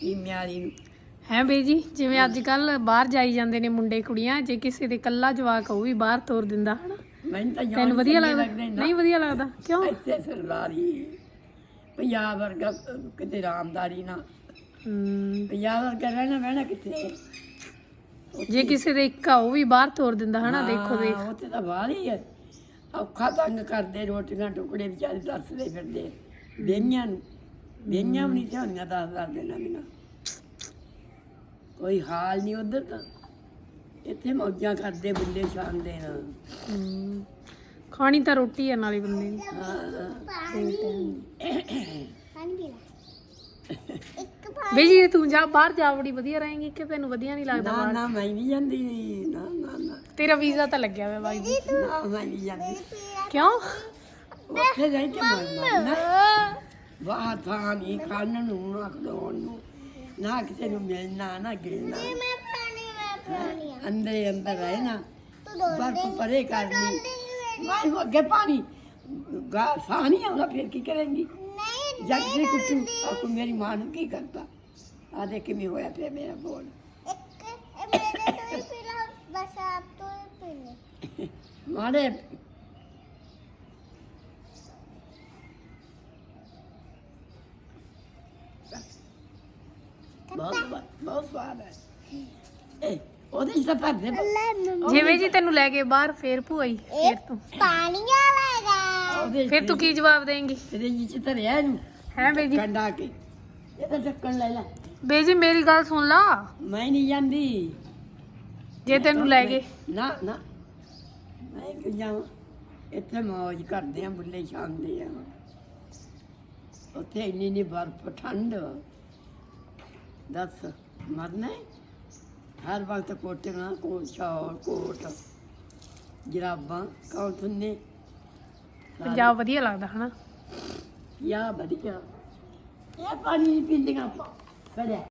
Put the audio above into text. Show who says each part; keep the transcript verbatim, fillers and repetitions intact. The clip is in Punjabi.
Speaker 1: ਕੀਮਿਆਂ ਵਾਲੀ ਨੂੰ
Speaker 2: ਹੈ ਬਈ ਜੀ ਜਿਵੇਂ ਅੱਜ ਕੱਲ ਬਾਹਰ ਜਾਈ ਜਾਂਦੇ ਨੇ ਮੁੰਡੇ ਕੁੜੀਆਂ, ਜੇ ਕਿਸੇ ਦੇ ਕੱਲਾ ਜਵਾਕ ਉਹ ਵੀ ਬਾਹਰ ਤੋਰ ਦਿੰਦਾ ਹਨਾ,
Speaker 1: ਮੈਨੂੰ ਤਾਂ
Speaker 2: ਤੈਨੂੰ ਵਧੀਆ ਲੱਗਦਾ? ਨਹੀਂ ਵਧੀਆ ਲੱਗਦਾ ਕਿਉਂ?
Speaker 1: ਇੱਥੇ ਸਰਦਾਰੀ ਪੰਜਾਬ ਵਰਗਾ ਕਿਤੇ ਰਾਮਦਾਰੀ ਨਾ,
Speaker 2: ਹਮ,
Speaker 1: ਪੰਜਾਬ ਵਰਗਾ ਰਹਿਣਾ ਬਹਿਣਾ ਕਿੱਥੇ।
Speaker 2: ਜੇ ਕਿਸੇ ਦੇ ਇੱਕ ਆ ਉਹ ਵੀ ਬਾਹਰ ਤੋਰ ਦਿੰਦਾ ਹਨਾ, ਦੇਖੋ ਦੇਖ।
Speaker 1: ਹਾਂ, ਉੱਥੇ ਤਾਂ ਬਾਹਰ ਹੀ ਹੈ, ਔਖਾ ਤੰਗ ਕਰਦੇ, ਰੋਟੀਆਂ ਟੁਕੜੇ ਵਿਚਾਰੇ ਦੱਸਦੇ ਫਿਰਦੇ ਵਿਹਈਆਂ ਨੂੰ, ਵਿਹਈਆਂ ਵੀ ਨਹੀਂ ਥਿਆਉਣੀਆਂ ਦਸ ਦਸ ਦਿਨਾਂ ਬਿਨਾਂ, ਕੋਈ ਹਾਲ ਨਹੀਂ ਉੱਧਰ ਤਾਂ। ਇੱਥੇ ਮੌਜਾਂ ਕਰਦੇ ਬੁੱਲੇ ਸ਼ਾਨ ਦੇ ਨਾਲ।
Speaker 2: ਹਮ, ਖਾਣੀ ਤਾਂ ਰੋਟੀ ਆ ਨਾਲੇ ਬੰਦੇ ਨੇ। ਬਈ ਜੀ ਤੂੰ ਜਾ ਬਾਹਰ ਜਾ, ਬੜੀ ਵਧੀਆ ਰਹੇਂਗੀ ਕਿ ਤੈਨੂੰ ਵਧੀਆ ਨਹੀਂ ਲੱਗਦਾ
Speaker 1: ਨਾ
Speaker 2: ਬਾਹਰ?
Speaker 1: ਨਾ ਮੈਂ ਨਹੀਂ ਜਾਂਦੀ, ਨਾ ਨਾ ਨਾ
Speaker 2: ਤੇਰਾ ਵੀਜ਼ਾ ਤਾਂ ਲੱਗਿਆ ਹੋਇਆ ਬਾਈ ਜੀ।
Speaker 1: ਨਾ ਮੈਂ ਨਹੀਂ ਜਾਂਦੀ,
Speaker 2: ਕਿਉਂ?
Speaker 1: ਉੱਥੇ ਜਾਈ ਕੇ ਮਰਨਾ ਨਾ, ਬਾਹਰ ਥਾਂ ਨਹੀਂ ਖਾਣ ਨੂੰ ਨਾ ਖਲੋਣ ਨੂੰ, ਨਾ ਕਿਸੇ ਨੂੰ ਮਿਲਣਾ ਨਾ ਗਿਲਣਾ, ਅੰਦਰ ਅੰਦਰ ਰਹੇ ਨਾ, ਬਰਫ ਪਰੇ ਕਰਨੀ। ਮੈਂ ਅੱਗੇ ਪਾਣੀ ਗਾ ਸਾਹ ਨਹੀਂ ਆਉਂਦਾ, ਫਿਰ ਕੀ ਕਰੇਂਗੀ? ਜੱਗ ਦੀ ਕੁੱਟੂ ਆਪੂ ਮੇਰੀ ਮਾਂ ਨੂੰ ਕੀ ਕਰਤਾ? ਆ ਦੇਖ ਕਿਵੇਂ ਹੋਇਆ ਪਿਆ ਮੇਰਾ ਬੋਲ। ਮਾੜੇ ਬਹੁਤ ਬਹੁਤ ਸਵਾਦ ਹੈ। ਏ ਉਹਦੇ ਚ ਤਾਂ ਭਰਦੇ
Speaker 2: ਜਿਵੇਂ ਜੀ ਤੈਨੂੰ ਲੈ ਕੇ ਬਾਹਰ ਫੇਰ ਭੂਆਈ, ਫੇਰ ਤੂੰ
Speaker 3: ਪਾਣੀਆਂ ਲੈਗਾ।
Speaker 1: ਉਹਦੇ
Speaker 2: ਫਿਰ ਤੂੰ ਕੀ ਜਵਾਬ ਦੇਂਗੀ?
Speaker 1: ਤੇਰੇ ਜੀ ਚ ਧਰਿਆ ਇਹਨੂੰ
Speaker 2: ਹੈ ਬਈ ਜੀ?
Speaker 1: ਕੰਡਾ ਕੇ ਇਹ ਤਾਂ ਢੱਕਣ ਲੈ ਲੈ।
Speaker 2: ਬਈ ਜੀ ਮੇਰੀ ਗੱਲ ਸੁਣ ਲਾ,
Speaker 1: ਮੈਂ ਨਹੀਂ ਜਾਂਦੀ
Speaker 2: ਜੇ ਤੈਨੂੰ ਲੈ ਗਏ।
Speaker 1: ਨਾ ਨਾ ਮੈਂ ਕਿ ਜਾਵਾਂ, ਇੱਥੇ ਮੌਜ ਕਰਦੇ ਆ, ਬੁੱਲੇ ਛਾਂਦੇ ਆ, ਉੱਥੇ ਇੰਨੀ ਇੰਨੀ ਬਰਫ ਠੰਡ, ਦੱਸ ਮਰਨਾ ਹੈ? ਹਰ ਵਕਤ ਕੋਟੀਆਂ ਕੋਟ ਸ਼ਾਲ ਕੋਟ ਜਰਾਬਾਂ ਕੌਣ ਥੁੰਨੇ।
Speaker 2: ਪੰਜਾਬ ਵਧੀਆ ਲੱਗਦਾ ਹਨਾ?
Speaker 1: ਯਾ ਵਧੀਆ, ਇਹ ਪਾਣੀ ਨਹੀਂ ਪੀਂਦੀਆਂ ਆਪਾਂ ਫੜਿਆ